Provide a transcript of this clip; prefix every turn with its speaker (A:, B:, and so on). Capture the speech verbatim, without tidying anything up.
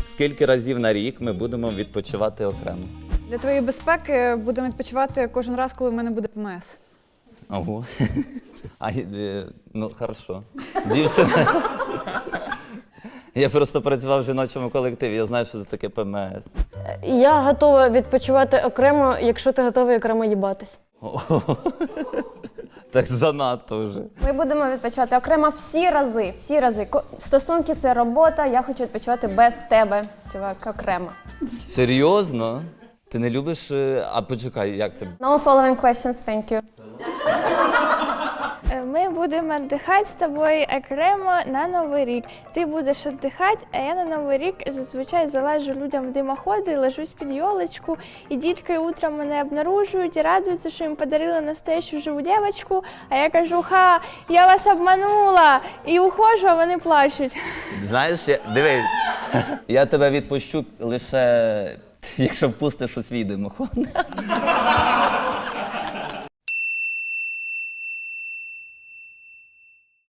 A: Скільки разів на рік ми будемо відпочивати окремо?
B: Для твоєї безпеки будемо відпочивати кожен раз, коли в мене буде ПМС.
A: Ого. А, е, ну, хорошо. Дівчина. Я просто працював в жіночому колективі, я знаю, що це таке ПМС.
C: Я готова відпочивати окремо, якщо ти готовий окремо їбатись.
A: Так занадто вже.
D: Ми будемо відпочивати окремо всі рази, всі рази. Ко- Стосунки – це робота, я хочу відпочивати без тебе, чувак, окремо.
A: Серйозно? Ти не любиш... е, А почекай, як це?
D: No following questions, thank you.
E: Ми будемо віддихати з тобою окремо на Новий рік. Ти будеш віддихати, а я на Новий рік зазвичай залежу людям в димоходи, лежусь під йолочку, і дітки утром мене обнаружують і радуються, що їм подарили настоящу живу дівчинку, а я кажу, ха, я вас обманула, і ухожу, а вони плачуть.
A: Знаєш, я... дивись, я тебе відпущу лише, якщо впустиш у свій димохон.